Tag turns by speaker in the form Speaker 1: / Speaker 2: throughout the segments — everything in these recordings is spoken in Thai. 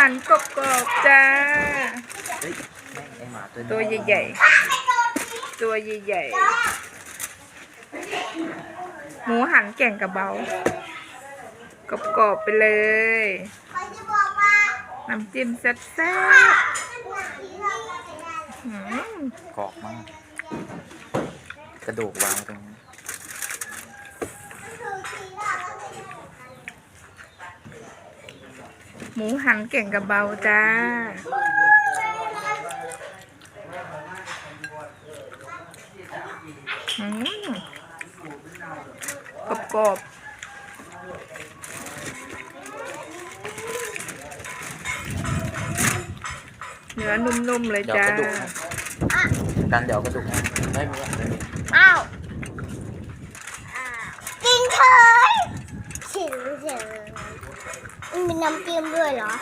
Speaker 1: หันกรอบๆจ้า
Speaker 2: เฮ้ยแม่งไอหมาตัวนี้
Speaker 1: ตัวใหญ่ๆตัวใหญ่ๆหมูหันแก่งกระเบากรอบๆไปเลยน้ำจิ้มแซ่บๆ
Speaker 2: กรอบมาก กระดูกวางตรงนี้
Speaker 1: หมูหันแก่งกระเบาจ้ากรอบเนื้อนุ่มๆเลย
Speaker 2: เดี๋ยว
Speaker 1: จ้าก
Speaker 2: ระดูกกันเดี๋ยวกระดูกไม่มีอะไร
Speaker 3: อ้าวกินเฉยเฉยมีน้ำจิ้มด้วยเหรอ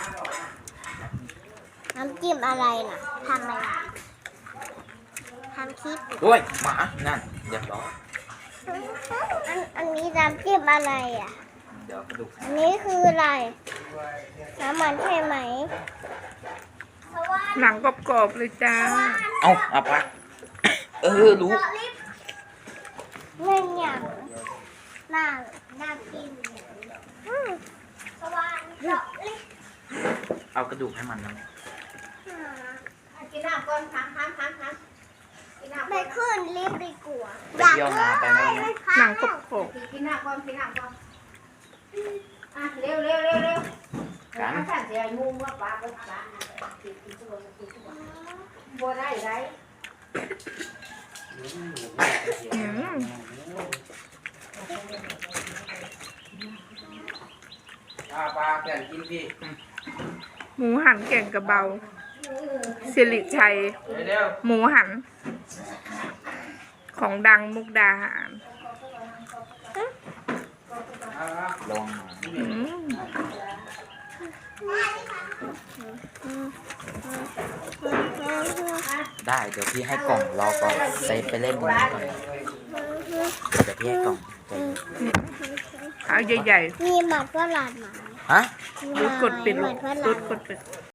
Speaker 3: น้ำจิ้มอะไรน่ะทำอะไรทำคลิป
Speaker 2: โอ้ยหมานั่นเดี๋ยวร้อย
Speaker 3: อันนี้น้ำจิ้มอะไรอ่ะ
Speaker 2: เดี๋ยวกระดูก
Speaker 3: อันนี้คืออะไร น้ำมันใช่ไหม
Speaker 1: หนังกรอบๆเลยจ้า
Speaker 2: เอาไปรู้
Speaker 3: เล่นอย่างน่ากินสว่านเจาะลิฟ
Speaker 2: เอากระดูกให้มันนะ
Speaker 3: กินน้ำก่อนไปขึ้นลิฟต์ดีกว่า
Speaker 2: ไปเที่ยวนาไปนั่นนะ
Speaker 1: หนังกรอบ
Speaker 4: กินน้ำก่อนอ่ะเร็ว
Speaker 2: กัน
Speaker 4: ถ้าเสียงูว่าปลาก็ปลากินตัวบัวได้ไร
Speaker 2: ปลาแก่นกินพี่
Speaker 1: หมูหันแก่งกระเบาสิริชัย
Speaker 2: เร็ว
Speaker 1: หมูหัน ของดังมุกดาหาร
Speaker 2: ลองมา
Speaker 1: อืม
Speaker 2: ได้เดี๋ยวพี่ให้กล่องรอก่อนไปเล่นตรงนี้ก่อนเดี๋ยวพี่ให้กล่อง
Speaker 1: เอาใหญ่
Speaker 3: มีหมัดฝรั่งไหม
Speaker 2: ฮะ
Speaker 3: มี
Speaker 1: ๆ
Speaker 3: ห
Speaker 1: รู
Speaker 3: มั
Speaker 1: ดกดปิด
Speaker 3: ห
Speaker 1: ลู
Speaker 3: มั
Speaker 1: ก
Speaker 3: ดฝ
Speaker 1: รู
Speaker 3: รั่
Speaker 1: ด
Speaker 3: ง
Speaker 1: กดปิด